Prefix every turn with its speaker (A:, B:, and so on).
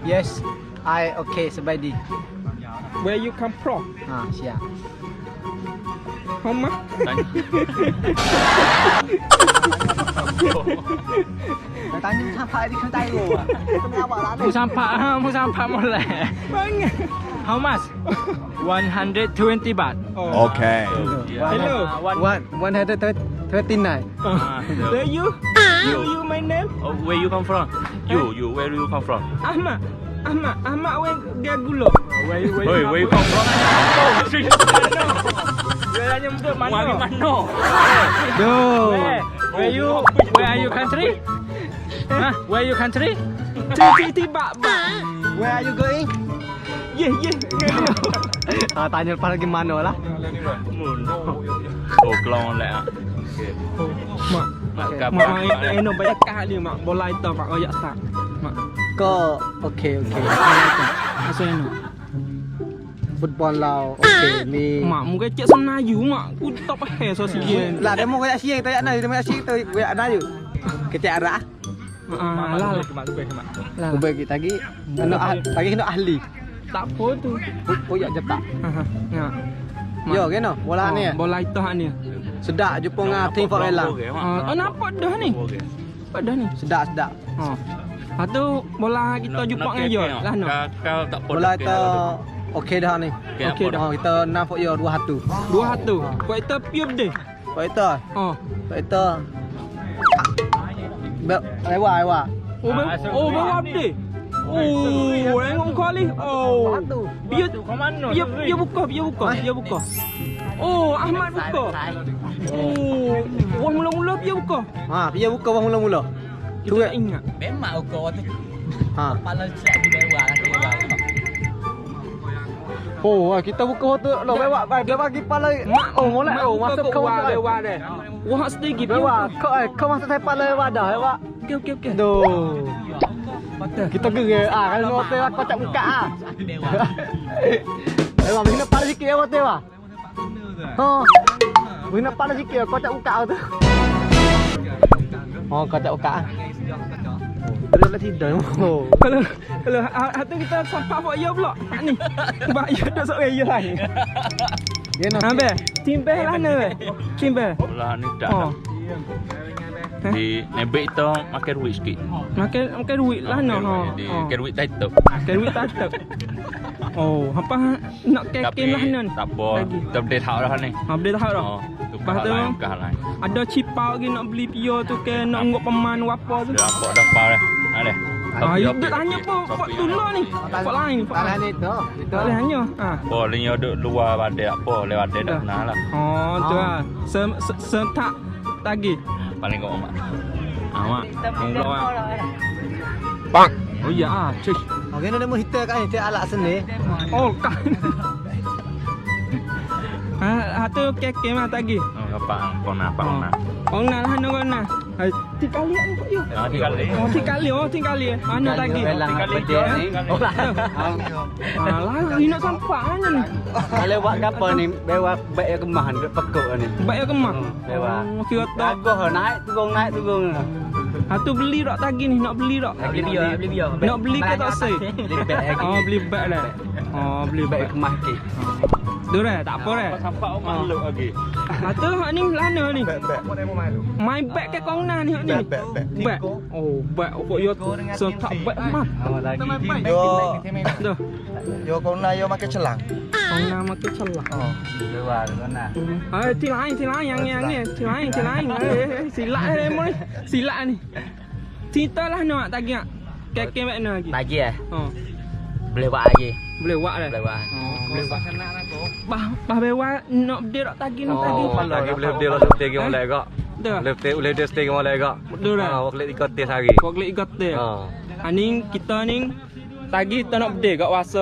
A: Yes, I okay สบายดี
B: Where you come from?
A: เชีย
B: How much?
A: Tanya sampai di kedai lu. Tengah awak lah ni.
C: Mu sampai molek.
B: Banyak.
C: How much? 120 baht.
B: Oh.
D: Okay.
B: Hello.
A: 139.
B: Where you? You my name?
E: Oh, where you come from? You, where you come from?
B: Ahmad. Where dia gula?
E: Where you come from?
C: Dia nyebut
E: Wari
C: mana?
E: Mano.
C: Where are you country? Where you country?
B: Tiba.
A: Where are you going?
B: Yeah.
A: Tanya lepas lagi mana lah.
E: Oh, kelong lek ah.
B: Mak.
E: Kapal.
B: Mak enak banyak kali mak. Bola itu mak oyak tak. Mak.
A: Ko okay.
B: Asal enak.
A: Football lao okay ni.
B: Mak muka cek senayu mak. Ku tak pakai sosial.
A: Lah demo kayak siang tak nak demo siang tu kayak ada je. Kecek arah.
B: Lah.
A: Ubah kita lagi. Lagi kena ahli.
B: Tak apa tu.
A: Koyak jepak.
B: Ya.
A: Yo kena bola ni.
B: Bola itu ni.
A: Sedap jumpa dengan tim Forela.
B: Oh nampak dah ni. Nampak dah ni.
A: Sedap.
B: Oh. Lepas tu bola kita jumpa dengan yo lah no.
E: Kau tak apa.
A: Bola itu okey dah ni.
B: Okey dah.
A: Kita nampak yo 2-1.
B: 2-1. Kau itu piup deh.
A: Kau itu.
B: Oh.
A: Kau itu. Lewat.
B: Oh bawa deh. Oh, tengok kau ni. Oh. Biar buka. Oh, Ahmad buka. Oh, wah mula-mula biar buka.
A: Dia buka wang mula-mula.
B: Tu ingat.
F: Memang ukur tu. Kepala siap di bawah kan.
A: Oh, kita buka waktu lo lewat dia bagi pala. Oh, molek masuk ke
B: bawah deh. Wah sedikit
A: bawah. Kau masuk saya pala wadah lewat.
B: Okey.
A: Doh. Kita gerak kalau hotel kau tak buka Lewat mesti pala sikit ya hotel ah. Mesti pala sikit kau tak buka tu. Kau tak buka. Terus tidur.
B: Kalau hatu kita sampai buat ya pula. Tak ni. Sebab ya dah sok ya lain. Ambil. Timbel lah ni. Timbel.
E: Bola ni dah. Di nebek itu makan duit sikit.
B: Makan duit lah no.
E: Makan duit tight tu.
B: Makan duit tak. Oh, apa nak kekin lah ni.
E: Tak apa. Kita boleh tahu dah ni.
B: Boleh tahu dah.
E: Lepas tu
B: ada cipau lagi nak beli pio tu ke nak ngok peman apa tu.
E: Dah apa dah pau dah. Ada.
B: Ya tanya apa dulu ni. Apa lain?
A: Tanah ni tu. Itu
B: hanya.
E: Boleh duduk luar badai apa lewat badai dah kenal lah.
B: Oh, tu ah. Sentak tagi.
E: Paling kau mak. Mak. Mula ah.
B: Bang. Oh ya cik.
A: Okey nak demo hitam kan hitam alat seni.
B: Oh kan. Hatu keke mah tagi.
E: Apa? Kona.
B: Oh nah lah nah. Tiga kali ni kok yo. Tiga kali. Ana tagi. Lah ini nak sampai mana ni?
A: Lewat apa ni? Lewat baik kemah ni pekok ni.
B: Baik kemah.
A: Lewat.
B: Kira tak.
A: Gagah naik turun.
B: Hatu beli tak tagi ni nak beli tak?
F: Beli biar.
B: Nak beli ke tak say? Beli beg lah. Beli beg
A: kemah ke.
B: Tu dah, tak apa dah.
E: Sampai orang malu lagi.
B: Tu hak ni lana ni. Main beg ke kau ni hak ni. Beg. Oh, beg kok yo sentak beg mah. Dah.
A: Yo kau nak yo makan celang.
B: Kau nak makan celang.
A: Lewat mana?
B: Ti lain yang ni. Ti lain. Silap ni. Silap ni. Cerita lah nak tagi nak. Kek mana lagi?
F: Lagi boleh buat lagi.
B: Boleh buat dah.
F: Boleh buat sana lah tu.
B: Bah bewa nak dia tak tagi nak tagi.
D: Lagi boleh dia lah stay game mulai agak.
B: Dah.
D: Boleh dia stay game mulai agak.
B: Dah dah.
D: Waktu 3 tes hari.
B: Waktu 3 tes. Aning kita ni tagi tak nak berdek kat wasa